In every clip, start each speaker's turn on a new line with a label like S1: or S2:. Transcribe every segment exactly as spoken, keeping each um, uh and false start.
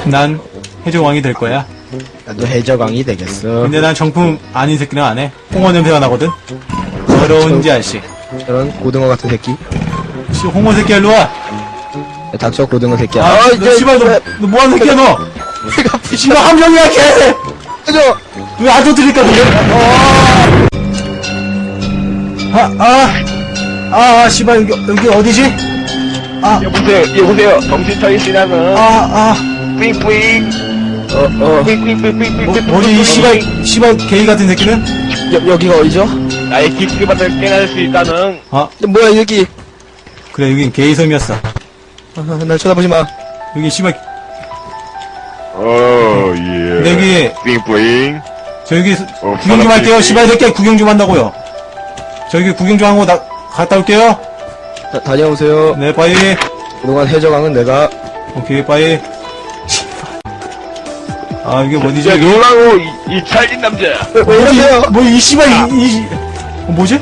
S1: 난 해적왕이 될 거야.
S2: 나도 해적왕이 되겠어.
S1: 근데 난 정품 아닌 새끼는 안 해. 홍어 냄새가 나거든. 더러운 자식.
S2: 저런 고등어 같은 새끼.
S1: 씨, 홍어 새끼야, 일로 와.
S2: 야, 닥쳐 고등어 새끼야.
S1: 아, 너 씨발, 너, 너 뭐하는 새끼야, 너?
S2: 내가
S1: 씨발, 함정이야, 걔!
S2: 해줘.
S1: 왜 아주 들릴까, 그게? 아, 아, 아, 아, 씨발, 여기, 여기 어디지? 아,
S3: 여보세요, 여보세요. 정신 차리시라는.
S1: 아, 아.
S3: 뿌잉뿌잉.
S2: 어, 어.
S3: 뿌잉뿌잉뿌잉뿌잉.
S1: 뭐, 뭐지, 이 씨발, 씨발, 게이 같은 새끼는?
S2: 여, 여기가 어디죠?
S3: 나의 깊이만을 깨달을 수 있다는.
S1: 아,
S2: 뭐야, 여기.
S1: 그래, 여긴 게이 섬이었어.
S2: 아, 날 쳐다보지 마.
S1: 여기 씨발,
S3: 어, 예.
S1: 근데 여기,
S3: 뿌잉뿌잉.
S1: 저 여기,
S3: 어,
S1: 구경 좀 할게요.
S3: 사람들이-
S1: 씨발 새끼야, 구경 좀 한다고요. 저기 구경 좀 하고, 나, 갔다 올게요.
S2: 다, 다녀오세요.
S1: 네, 빠이.
S2: 그동안 해적왕은 내가.
S1: 오케이, 빠이. 아, 이게 뭐지?
S3: 야, 놀라고, 이, 이 찰진 남자.
S2: 왜, 왜 이러세요?
S1: 뭐, 이 씨발, 이, 이, 어, 뭐지?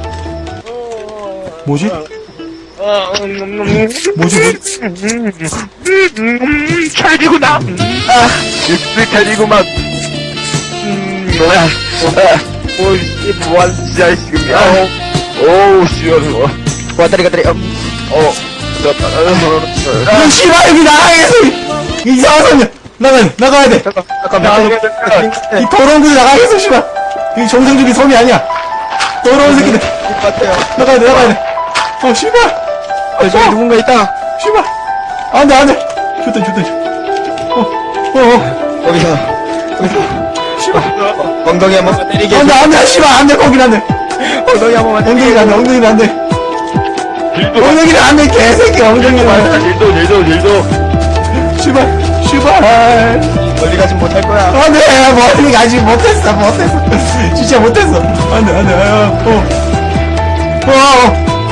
S1: 뭐지?
S3: 어, 음, 음, 음.
S1: 뭐지, 뭐지?
S3: 음, 음, 찰지구나. 아, 입술 찰지구만. 음, 뭐야. 아, 오, 이, 뭐하는 자식이야. 오, 시원해.
S2: 왔다리 갔다리. 어.
S3: 어, 됐다.
S1: 이 씨발, 여기 나가겠어! 이상한 소리야! 나가, 나가야 돼!
S2: 잠깐, 잠깐,
S3: 야,
S2: 잠깐.
S1: 이 더러운 곳에 나가겠어, 씨발! 이 정상적인 섬이 아니야! 더러운 새끼들!
S2: 같아요.
S1: 나가야 돼, 나가야 돼! 어, 씨발!
S2: 어, 저기 누군가 있다.
S1: 씨발! 안 돼, 안 돼! 좋다, 좋다, 좋다. 어, 어, 어,
S2: 거기서, 거기서.
S1: 씨발!
S2: 엉덩이 한번 때리게.
S1: 안 돼, 안 돼, 씨발! 안 돼, 거긴 안 돼!
S2: 엉덩이 한 번만 때리게.
S1: 엉덩이는 안 돼, 엉덩이는 안 돼!
S3: 딜도,
S1: 엉덩이는 안 돼, 개새끼! 엉덩이는 안 돼!
S3: 딜도, 딜도, 딜도.
S1: 씨발! 씨발!
S2: 멀리 가진 못할 거야.
S1: 안 돼! 멀리 가지 못했어, 못했어! 진짜 못했어! 안 돼, 안 돼, 어, 어. 어, 어.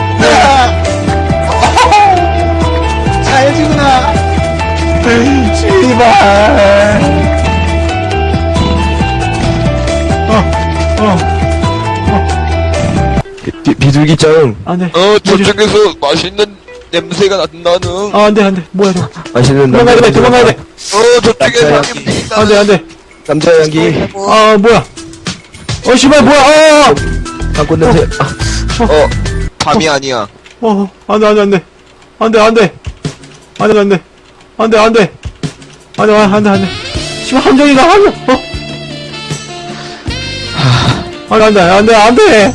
S2: 잘해주구나.
S1: 씨발! 어, 어.
S2: 비, 비둘기짱.
S1: 안 돼.
S4: 어, 저쪽에서 맛있는 냄새가 난다는.
S1: 아, 안 돼, 안 돼. 뭐야, 저.
S2: 맛있는
S1: 도망가야 돼, 도망가야 돼.
S4: 어, 저쪽에
S2: 남자
S4: 사람이 있다.
S1: 안 돼, 안 돼.
S2: 남자 향기.
S1: 아, 뭐야. 어, 씨발, 뭐야, 어,
S2: 방꽃 냄새. 아,
S4: 어, 밤이 아니야.
S1: 어, 어, 안 돼, 안 돼, 안 돼. 안 돼, 안 돼. 안 돼, 안 돼. 안 돼, 안 돼. 안 돼, 안 돼, 안 돼. 씨발, 함정이다, 함정. 어? 안 돼, 안 돼, 안 돼, 안 돼.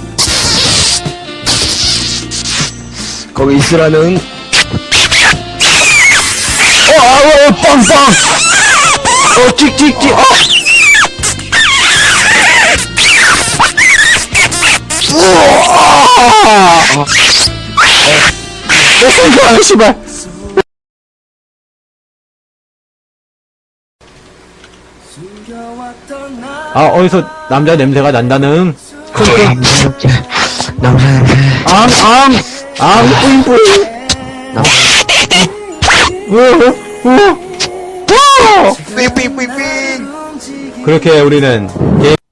S2: 거기 있으라는.
S1: 어, 아, 어, 어, 빵, 빵. 어, 찍, 찍, 찍. 어. 우와! 내 손가락, 씨발. 아, 어디서 남자 냄새가 난다는.
S2: 남자답게. 남자 냄새.
S1: 앙, 앙, 앙, 뿌잉, 뿌잉. 어, 어, 어.
S4: 삥삥삥삥.
S1: 그렇게 우리는 게임